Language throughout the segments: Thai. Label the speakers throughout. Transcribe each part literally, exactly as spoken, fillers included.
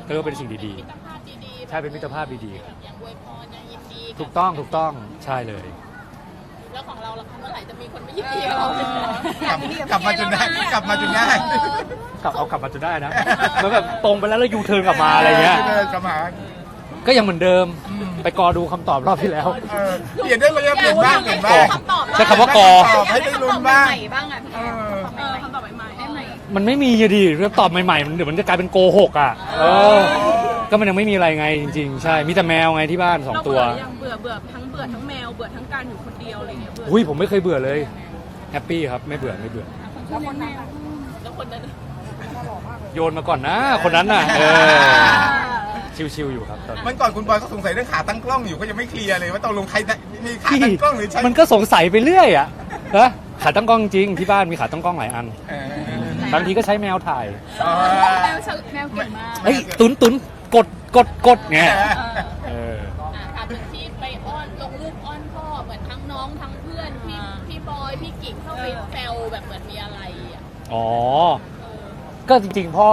Speaker 1: ก็เรียกว่าเป็นสิ่งดี
Speaker 2: มิตรภาพดีๆ
Speaker 1: ๆใช่เป็นมิตรภาพดีๆครับ
Speaker 2: อย่างอวยพรอย่างยินดีบ
Speaker 1: ถูกต้องถูกต้องใช่เลย
Speaker 2: แล้วของเราล่ะคะเมื่อไหร่จะมีคนมายินดีกับเรา
Speaker 3: กลับกลับมาจนได้กลับมาจนได้
Speaker 1: กลับเอากลับมาจนได้นะมันแบบตรงไปแล้วแล้วยูเทิร์นกลับมาอะไรเงี้ย
Speaker 3: เดินกลับมา
Speaker 1: ก็ยังเหมือนเดิมไปกอดูคำตอบรอบที่แล้ว
Speaker 3: เออเปลี่ยนได้เลยเปลี่ยนบ้างเปลี่ยนบ้าง
Speaker 1: ใช้คำว่ากอ
Speaker 3: ตอบให้ได้ลุ้นบ้าง
Speaker 2: บ้างอ่ะพี่
Speaker 3: เออ
Speaker 2: เออคำตอบใหม่ๆได้ไหม
Speaker 1: มันไม่มีอะดิเรื่องตอบใหม่ๆมันเดี๋ยวมันจะกลายเป็นโกหกอ่ะเออก็มันยังไม่มีอะไรไงจริงๆใช่มีแต่แมวไงที่บ้านสองตัว
Speaker 4: ยังเบื่อเบื่อทั้งเบื่อทั้งแมวเบื่อทั้งการอยู่คนเดียวอะไรเงี้ยเบื่อ
Speaker 1: อุ้ยผมไม่เคยเบื่อเลยแฮปปี้ครับไม่เบื่อไม่เบื่อ
Speaker 2: แล้วคนนั้นแล้วคนนั้น
Speaker 1: โยนมาก่อนนะคนนั้นน่ะเออชิวๆอยู่ครับตอน
Speaker 3: มัน
Speaker 1: นี้
Speaker 3: ก่อนคุณบอยก็สงสัยเรื่องขาตั้งกล้องอยู่ก็ยังไม่เคลียร์เลยว่าตกลงใครมีขา
Speaker 1: พี่
Speaker 3: ตั้งกล้องหรือใช่
Speaker 1: มันก็สงสัยไปเรื่อยอ่ะฮะขาตั้งกล้องจริงที่บ้านมีขาตั้งกล้องหลายอัน
Speaker 3: เออบ
Speaker 1: างทีก็ใช้แมวถ่าย
Speaker 3: อ๋อ
Speaker 2: แมวฉลแมวเก่งมาก
Speaker 1: เฮ้ยตุนตุนกดกดกดไงเออ
Speaker 2: อ่ะถามถึงที่ไปอ้อนลงรูปอ้อนพ่อเหมือนทั้งน้องทั้งเพื่อนพี่พี่บอยพี่กิ่งเข้าไปแซวแบบเหมือนมีอะไรอ่ะ
Speaker 1: อ๋อก็จริงๆพ่อ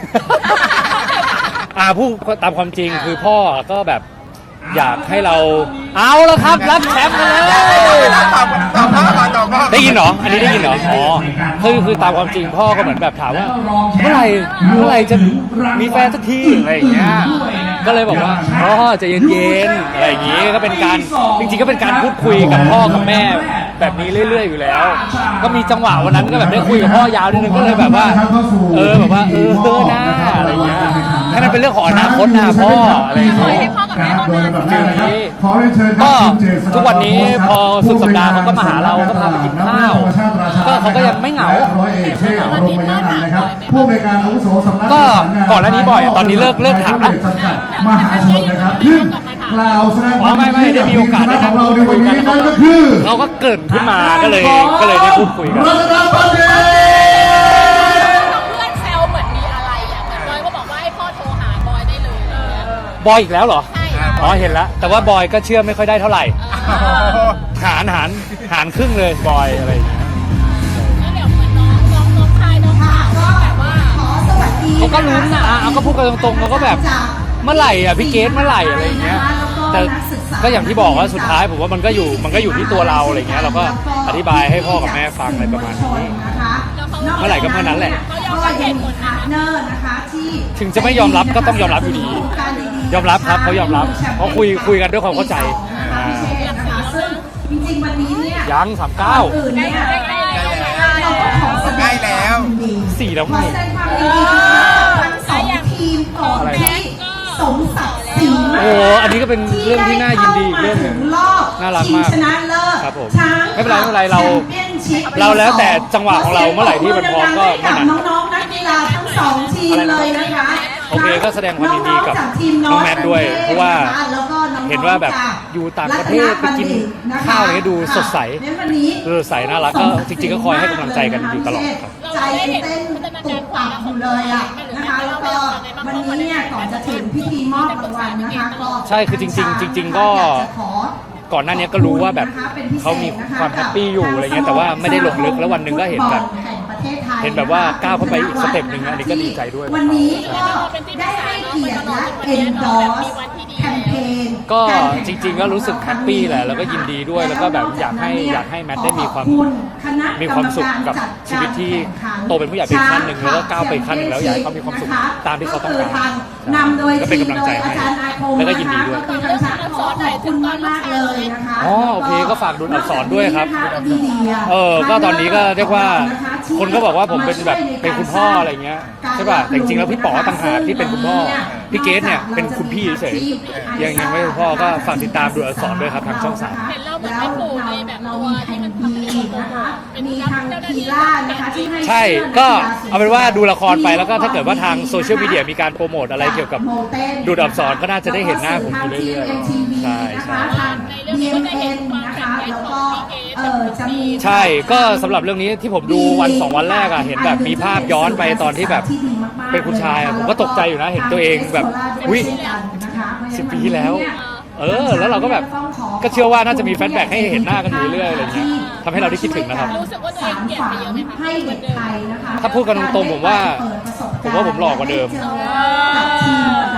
Speaker 1: อ่าพูดตามความจริงคือพ่อก็แบบอยากให้เราเอาแล้วครับรับแชมป์กันเลย
Speaker 3: ตอบตอบพ่อก่อนตอบพ่อ
Speaker 1: ได้ยินเหรออันนี้ได้ยินเหรออ๋อคือคือตามความจริงพ่อก็เหมือนแบบถามว่าเมื่อไหร่เมื่อไหร่จะมีแฟนสักทีอะไรอย่างเงี้ยก็เลยบอกว่าพ่อใจะเย็นๆอะไรอย่างงี้ก็เป็นการจริงๆก็เป็นการพูดคุยกับพ่อกับแม่แบบนี้เรื่อยๆอยู่แล้ว ก็มีจังหวะวันนั้นก็แบบได้คุยกับพ่อยาวนิดนึงก็เลยแบบว่าเออแบบว่าเออเออหน้าอะไรอย่างเงี้ยให้มันเป็นเรื่องของอนาคตนะพ่ออะไรอย่างเงี้ย
Speaker 2: ให้พ่อกับแม่อ้อนนาน
Speaker 1: ฟิลนี้ก็ทุกวันนี้พอสุดสัปดาห์เขาก็มาหาเราก็พาไปกินข้าวก็เขาก็ยังไม่เหงา
Speaker 5: ร้อยเอกเชษฐ์โรงพยาบาลนะครับผู้ในวยการอาวุโสสำนัก
Speaker 1: ก็ก่อนหน้านี้บ่อยตอนนี้เลิกเลิกถามแล้ว
Speaker 5: จำกัดมหาชนนะครับขึ้นกล่าวแสดงความ
Speaker 1: ไม่ไม่ได้มีโอกาสได้
Speaker 5: ข
Speaker 1: นั่
Speaker 5: อง งเราใน
Speaker 1: คุ
Speaker 5: วั
Speaker 1: ย
Speaker 5: น
Speaker 1: กั
Speaker 5: นี้
Speaker 1: น
Speaker 5: นั่นก็คือ
Speaker 1: เขาก็เกริ่นขึ้นมาก็เลยก็เลยได้พูดคุยกัน
Speaker 5: รัตนบัณฑิต
Speaker 2: เพื่อนแซวเหมือนมีอะไรอ่ะเหมือนบอยก็บอกว่าให้พ่อโทรหาบอยได้เลย
Speaker 1: บอยอีกแล้วเหรอ
Speaker 2: ใช่ค่ะ
Speaker 1: อ๋อเห็นแล้วแต่ว่าบอยก็เชื่อไม่ค่อยได้เท่าไหร่หารหารหารครึ่งเลยบอยอะไรอย่างเงี้ย
Speaker 2: แล้วเดี๋ยวเหมือนน้องน้องน้องชายน้องสาวก็แบบว่า
Speaker 1: เขาก็ลุ้นนะอ่ะเอาก็พูดกันตรงๆเขาก็แบบเมื่อไหร่อ่ะพี่เกสเมื่อไหร่อะไรอย่างเงี้ยแต่ก็อย่างที่บอกว่าสุดท้ายผมว่ามันก็อยู่มันก็อยู่ที่ตัวเราอะไรเงี้ยเราก็อธิบายให้พ่อกับแม่ฟังอะไรประมาณนี้เมื่อไหร่ก็เมื่อนั้นแหละ
Speaker 2: เขายอมรับเหตุผลนะ
Speaker 5: เนอร์นะคะที่
Speaker 1: ถึงจะไม่ยอมรับก็ต้องยอมรับอยู่ดียอมรับครับเขายอมรับเขาคุยคุยกันด้วยความเข้าใจอ่า
Speaker 5: นะคะซึ่งจริงๆวันนี้เนี่ย
Speaker 1: ยังสามเก้า
Speaker 5: อื่นเนี่ย
Speaker 2: ใกล้ๆแล้ว
Speaker 5: เราก็ขอแสด
Speaker 3: ใกล้
Speaker 5: ง
Speaker 3: แล้ว
Speaker 1: สี่แล้ว
Speaker 5: ข
Speaker 1: ไง
Speaker 5: อแสดงความยินดีกับทั้งสองทีมก่อนที่สมศักดิ์ศรีมาก
Speaker 1: โอ้อันนี้ก็เป็นเรื่องที่น่ายินดีอีกเรื่องหนึ่ง
Speaker 5: รอบ
Speaker 1: น่ารักมาก
Speaker 5: ชิงชนะเลิศ
Speaker 1: ครับผม
Speaker 5: ช้าง
Speaker 1: ไม่เป็นไรไม่เป็นไรเรา
Speaker 5: แชมปี้ยนชิพ
Speaker 1: เราแล้วแต่จังหวะของเราเมื่อไหร่ที่มันพร้อมก็เมื่อนั้น
Speaker 5: น้องๆนักกีฬาทั้งสองทีมเลยนะคะ
Speaker 1: โอเคก็แสดงความยินดีกับ
Speaker 5: องๆจากทีม
Speaker 1: น้องแมทด้วย เพราะว่า
Speaker 5: แล้วก็น้องๆ
Speaker 1: เห็นว่าแบบอยู่ต่างประเทศไปกินข้าวอะไรก็ดูสดใส
Speaker 5: เน้นวันนี้
Speaker 1: เออใสน่ารักก็จริงๆก็คอยให้กำลังใจกันอยู่ตลอดครับ
Speaker 5: ใจเต้นตุกตับอยู่เลยอ่ะนะคะแล้วก็วันนี้เนี่ยก่อนจะถึงพิธีมอบรางวัลนะคะก็
Speaker 1: ใช่คือจริงๆจริงๆก็
Speaker 5: อยาจะขอ
Speaker 1: ก่อนหน้านี้ก็รู้ว่าแบบเขามีความแฮปปี้อยู่อะไรเงี้ยแต่ว่าไม่ได้ลงลึกแล้ววันหนึ่งก็เห็นแบบเห็นแบบว่าก้าวเข้าไปอีกสเต็ปหนึ่งอันนี้ก็ดีใจด้วย
Speaker 5: วันนี้ก็ได้ให้เกียรติและ endorse แคมเปญ
Speaker 1: ก็จริงๆก็รู้สึกแฮปปี้แหละแล้วก็ยินดีด้วยแล้วก็แบบอยากให้อยากให้แมทได้มีความมีความสุขกับชีวิตที่โตเป็นผู้ใหญ่ไปขั้นหนึ่งแล้วก็ก้าวไปขั้นหนึ่งแล้วอยากให้เขามีความสุขตามที่เขาต้องการ
Speaker 5: นำโดย
Speaker 1: ก็เป็นกำลังใจให้
Speaker 5: อาจารย์อาคม
Speaker 1: แล้วก็ยินดีด้วย
Speaker 5: ก็คือทางช้างขอขอบคุณมากมากๆเลยนะคะ
Speaker 1: อ๋อโอเคก็ฝากดูอักษรด้วยครับ
Speaker 5: นอกจากนี้นะคะ
Speaker 1: เออก็ตอนนี้ก็เรียกว่าคนก็บอกว่าผมเป็นแบบเป็นคุณพ่ออะไรเงี้ยใช่ป่ะแต่จริงๆแล้วพี่ป๋อต่างหากที่เป็นคุณพ่อพี่เกสเนี่ยเป็นคุณพี่เฉยๆยังยังไม่เป็นพ่อก็ฝากติดตามดูอักษรด้วยครับทางช่องสาม
Speaker 2: เห็นเราเหมือนเป็นปู่ในแบบตัวที่มันทำให้เราโต
Speaker 5: นะคะ
Speaker 2: เป็น
Speaker 5: มี
Speaker 2: นัก
Speaker 5: ทาง
Speaker 2: เจ้าหน้า
Speaker 5: คี
Speaker 2: ที่
Speaker 5: ล่านะคะที่ให้
Speaker 1: ใช่ก็เอาเป็นว่าดูละครไปแล้วก็ถ้าเกิดว่าทางโซเชียลมีเดียมีการโปรโมทอะไรเกี่ยวกับดูดอักษรก็น่าจะได้เห็นหน้าผมอยู่เรื่อยๆใช่ใช่
Speaker 2: ในเรื่องนี้ก็จะเห็นความแข็งแรงของพี่เกส
Speaker 5: เออจะมี
Speaker 1: ใช่ก็สำหรับเรื่องนี้ที่ผมดูวันสองวันแรกอะเห็นแบบมีภาพย้อนไปตอนที่แบบเป็นคุณชายอะผมก็ตกใจอยู่นะเห็นตัวเองแบบอุ๊ยสิบปีที่แล้ว เออแล้วเราก็แบบก็เชื่อว่าน่าจะมีแฟนแบ็กให้เห็นหน้ากันอยู่เรื่อยๆอะไรเงี้ยทำให้เราได้คิดถึงนะครับ
Speaker 2: รู้สึกว่าตัวเองเปลี่ยนไปเยอะไหมคะ
Speaker 5: ให้เด็กไทยนะคะ
Speaker 1: ถ้าพูดกันตรงๆผมว่าผมว่าผมหล่อกว่าเดิม
Speaker 5: กับทีมประ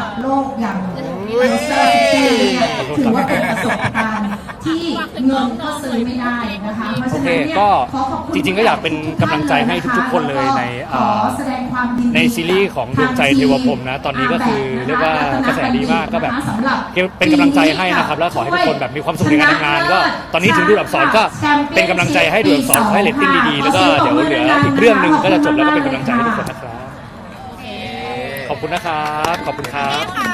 Speaker 5: ถือว่าเป็นประสบการณ์ที่เงินก็ซื้อไม่ได้นะคะเพราะ
Speaker 1: โอ
Speaker 5: ฉะ
Speaker 1: เค
Speaker 5: นั้นเนี่ย
Speaker 1: ก็
Speaker 5: ขอขอบคุณ
Speaker 1: จริงๆก็อยากเป็นกำลังใจให้ทุกๆคนเลยใน
Speaker 5: ขอแสดงความยินดี
Speaker 1: ในซีรีส์ของดวงใจเทวพรหมนะตอนนี้ก็คือเรียกว่ากระแสดีมากก็แบบเป็นกำลังใจให้นะครับแล้วขอให้ทุกคนแบบมีความสุขในการทำงานก็ตอนนี้ถึงดูอักษรก็เป็นกำลังใจให้ดูอักษรขอให้เรตติ้งดีๆแล้วก็เดี๋ยวเหลืออีกเรื่องหนึ่งก็จะจบแล้วก็เป็นกำลังใจให้ทุกคนนะครับขอบคุณนะครับขอบคุณครับ